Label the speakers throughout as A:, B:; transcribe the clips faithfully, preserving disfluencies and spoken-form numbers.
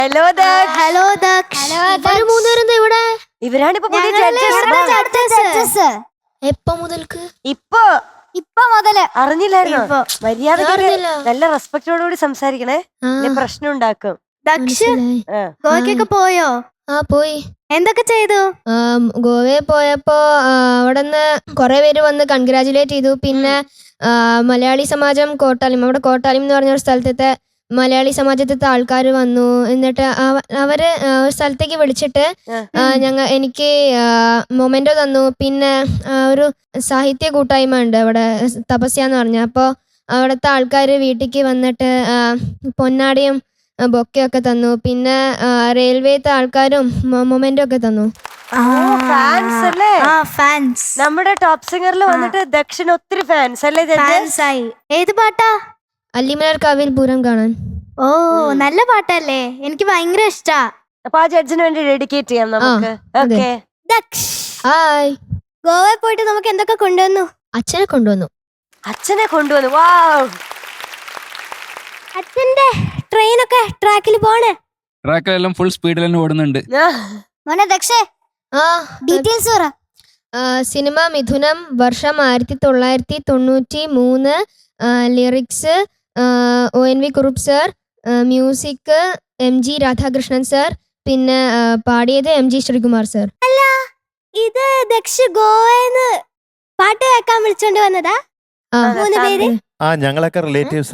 A: Hello Daksh.
B: Hello Daksh.
C: ഇവര് മൂന്നുപേരെന്താ ഇവിടെ?
A: ഇവരാണ് ഇപ്പൊ പുതിയ
B: ജഡ്ജസ്.
C: എപ്പോ മുതൽക്ക്?
A: ഇപ്പൊ
B: ഇപ്പൊ മുതല്
A: അറിഞ്ഞില്ലായിരുന്നോ? മര്യാദ
C: അറിഞ്ഞില്ല.
A: നല്ല റെസ്പെക്ടോടുകൂടി സംസാരിക്കണേ, പ്രശ്നം ഉണ്ടാക്കും.
B: ദക്ഷ്
C: മനസ്സിലായി.
B: ഗോവയ്ക്കൊക്കെ പോയോ?
C: ആ പോയി.
B: എന്തൊക്കെ ചെയ്തു?
C: ഗോവയിൽ പോയപ്പോ അവിടെ നിന്ന് കുറെ പേര് വന്ന് കൺഗ്രാജുലേറ്റ് ചെയ്തു. പിന്നെ മലയാളി സമാജം കോട്ടാലിം, അവിടെ കോട്ടാലിം എന്ന് പറഞ്ഞ ഒരു സ്ഥലത്തെ മലയാളി സമാജത്തിലത്തെ ആൾക്കാർ വന്നു. എന്നിട്ട് അവര് ഒരു സ്ഥലത്തേക്ക് വിളിച്ചിട്ട് ഞങ്ങ എനിക്ക് മൊമെന്റോ തന്നു. പിന്നെ ഒരു സാഹിത്യ കൂട്ടായ്മ ഉണ്ട് അവിടെ, തപസ്യ എന്ന് പറഞ്ഞ. അപ്പോൾ അവിടുത്തെ ആൾക്കാർ വീട്ടിലേക്ക് വന്നിട്ട് പൊന്നാടിയും ബൊക്കെയൊക്കെ തന്നു. പിന്നെ റെയിൽവേത്തെ ആൾക്കാരും മൊമെന്റോ ഒക്കെ തന്നു.
A: ഫാൻസ് അല്ലേ?
B: ഫാൻസ്.
A: നമ്മുടെ ടോപ്പ് സിംഗറിൽ വന്നിട്ട് ദക്ഷിന് ഒത്തിരി ഫാൻസ് അല്ലേ?
B: ഏത് പാട്ടാ?
C: അല്ലിമലർ കാവിൽ പൂരം കാണാൻ.
B: ഓ നല്ല പാട്ടല്ലേ, എനിക്ക് ഭയങ്കര ഇഷ്ടാ.
A: അപ്പൊ ആ ജഡ്ജിന് വേണ്ടി ഡെഡിക്കേറ്റ് ചെയ്യാം നമുക്ക്. Okay
B: Daksh,
C: hi.
B: ഗോവയിൽ പോയിട്ട് നമുക്ക് എന്തൊക്കെ കൊണ്ടുവന്നു?
C: അച്ഛനെ കൊണ്ടുവന്നു.
A: അച്ഛനെ കൊണ്ടുവന്നു. വാവ്.
B: അച്ഛന്റെ ട്രെയിനൊക്കെ ട്രാക്കിൽ പോണേ?
D: ട്രാക്കിലെല്ലാം ഫുൾ സ്പീഡിൽ തന്നെ ഓടുന്നുണ്ട്.
B: മോനെ ദക്ഷേ,
C: ആ
B: ഡീറ്റെയിൽസ് പറ.
C: സിനിമ മിഥുനം, വർഷം ആയിരത്തി തൊള്ളായിരത്തി തൊണ്ണൂറ്റി മൂന്ന്, lyrics O N V Kurup sir, music M G Radhakrishnan sir, പിന്നെ പാടിയത് എം ജി ശ്രീകുമാർ സർ.
B: അല്ല, ഇത് ദക്ഷ് ഗോവന്ന് പാട്ട് കേൾക്കാൻ വിളിച്ചോണ്ട് വന്നതാ? മൂന്ന് പേര്?
E: ആ ഞങ്ങളൊക്കെ റിലേറ്റീവ്സാ.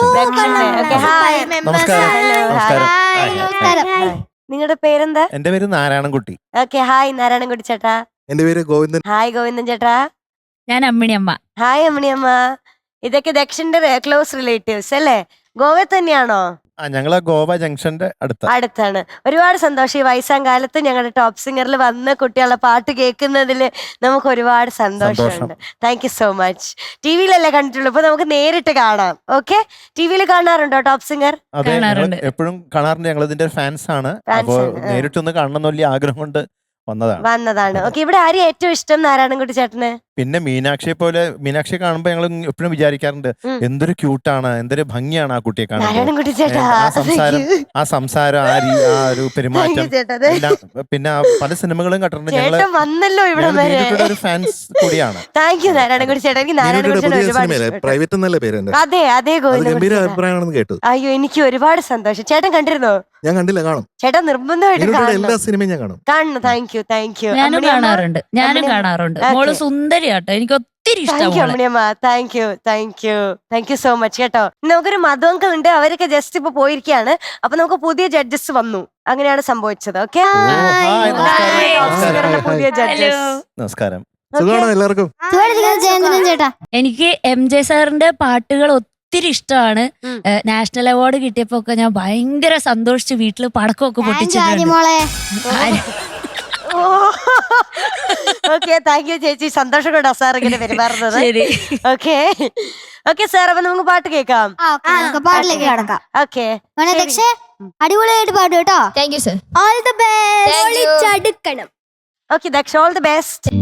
A: നിങ്ങളുടെ പേരെന്താ?
E: എന്റെ പേര് നാരായണൻകുട്ടി.
A: ഓക്കെ, ഹായ് നാരായണൻകുട്ടി ചേട്ടാ.
F: എന്റെ പേര് ഗോവിന്ദൻ.
A: ഹായ് ഗോവിന്ദൻ ചേട്ടാ.
G: ഞാൻ അമ്മിണിയമ്മ.
A: ഹായ് അമ്മിണിയമ്മ. ഇതൊക്കെ ദക്ഷിന്റെ ക്ലോസ് റിലേറ്റീവ്സ് അല്ലേ? ഗോവയിൽ തന്നെയാണോ?
E: ആ ഞങ്ങളെ ഗോവ ജംഗ്ഷന്റെ അടുത്ത്
A: അടുത്താണ്. ഒരുപാട് സന്തോഷം ഈ വയസ്സാം കാലത്ത് ഞങ്ങളുടെ ടോപ്പ് സിംഗറിൽ വന്ന് കുട്ടികളുടെ പാട്ട് കേൾക്കുന്നതിൽ നമുക്ക് ഒരുപാട് സന്തോഷമുണ്ട്. Thank you so much. ടി വിയിലല്ലേ കണ്ടിട്ടുള്ളൂ, ഇപ്പൊ നമുക്ക് നേരിട്ട് കാണാം. ഓക്കെ, ടി വിയിൽ കാണാറുണ്ടോ ടോപ്പ് സിംഗർ?
E: അതെ, എപ്പോഴും കാണാറുണ്ട്. ഞങ്ങൾ ഇതിന്റെ ഫാൻസ് ആണ്. അപ്പൊ നേരിട്ടൊന്ന് കാണണം വലിയ ആഗ്രഹം കൊണ്ട് വന്നതാണ്
A: വന്നതാണ് ഓക്കെ. ഇവിടെ ആരെയും ഏറ്റവും ഇഷ്ടം നാരായണൻകുട്ടി ചേട്ടന്?
E: പിന്നെ മീനാക്ഷിയെ പോലെ. മീനാക്ഷിയെ കാണുമ്പോ ഞങ്ങൾ എപ്പോഴും വിചാരിക്കാറുണ്ട് എന്തൊരു ക്യൂട്ടാണ്, എന്തൊരു ഭംഗിയാണ് ആ കുട്ടിയെ കാണാൻ.
A: നാരായണൻകുട്ടി ചേട്ടാ,
E: ആ സംസാരം ആ സംസാരം ആ ആ ഒരു പെരുമാറ്റം എല്ലാം. പിന്നെ പല സിനിമകളും കണ്ടിട്ടുണ്ട്. ഞങ്ങള്
A: വന്നല്ലോ ഇവിടെ വരെ.
E: ഒരു ഫാൻസ് കൂടിയാണ്.
A: താങ്ക് യു നാരായണൻകുട്ടി ചേട്ടാ. എനിക്ക് നാരായണൻകുട്ടി
F: പ്രൈവറ്റ് എന്നല്ല പേര്.
A: അതെ അതെ
F: ഗംഭീര അഭിപ്രായമാണെന്ന് കേട്ടു.
A: അയ്യോ, എനിക്ക് ഒരുപാട് സന്തോഷം. ചേട്ടൻ കണ്ടിരുന്നോ?
F: ഞാൻ കണ്ടില്ല, കാണും.
A: ചേട്ടാ നിർബന്ധമായിട്ട്
F: എല്ലാ സിനിമയും ഞാൻ കാണും.
A: കാണണം. Thank you thank you.
G: ഞാനും കാണാറുണ്ട് ഞാനും കാണാറുണ്ട് മോള് സുന്ദരിയാട്ടോ, എനിക്ക് ഒത്തിരി ഇഷ്ടമാണ്.
A: Thank you thank you thank you so much കേട്ടോ. നമുക്കൊരു മധുവങ്കൾ ഉണ്ട്, അവരൊക്കെ ജസ്റ്റ് ഇപ്പൊ പോയിരിക്കുകയാണ്. അപ്പൊ നമുക്ക് പുതിയ ജഡ്ജസ് വന്നു, അങ്ങനെയാണ് സംഭവിച്ചത്. ഓക്കെ, പുതിയ ജഡ്ജസ്.
E: നമസ്കാരം.
F: സുഖമാണോ എല്ലാവർക്കും?
B: ചേട്ടാ,
G: എനിക്ക് എം ജെ സാറിന്റെ പാട്ടുകൾ ഒത്തിരി ഇഷ്ടമാണ്. നാഷണൽ അവാർഡ് കിട്ടിയപ്പോ ഒക്കെ ഞാൻ ഭയങ്കര സന്തോഷിച്ച് വീട്ടില് പടക്കമൊക്കെ പൊട്ടിച്ചിട്ടുണ്ട്.
A: ഓക്കെ, താങ്ക് യു ചേച്ചി. സന്തോഷം കൊണ്ടാ സാർ ഇങ്ങനെ പെരുമാറുന്നത്. ഓക്കെ ഓക്കെ സാർ, അപ്പൊ നമുക്ക് പാട്ട് കേൾക്കാം.
B: പാട്ടിലേക്ക് കിടക്കാം.
A: ഓക്കെ,
B: ദക്ഷേ അടിപൊളിയായിട്ട് പാടും കേട്ടോ.
C: Thank you sir.
B: All the best.
A: Okay Daksha, all the best.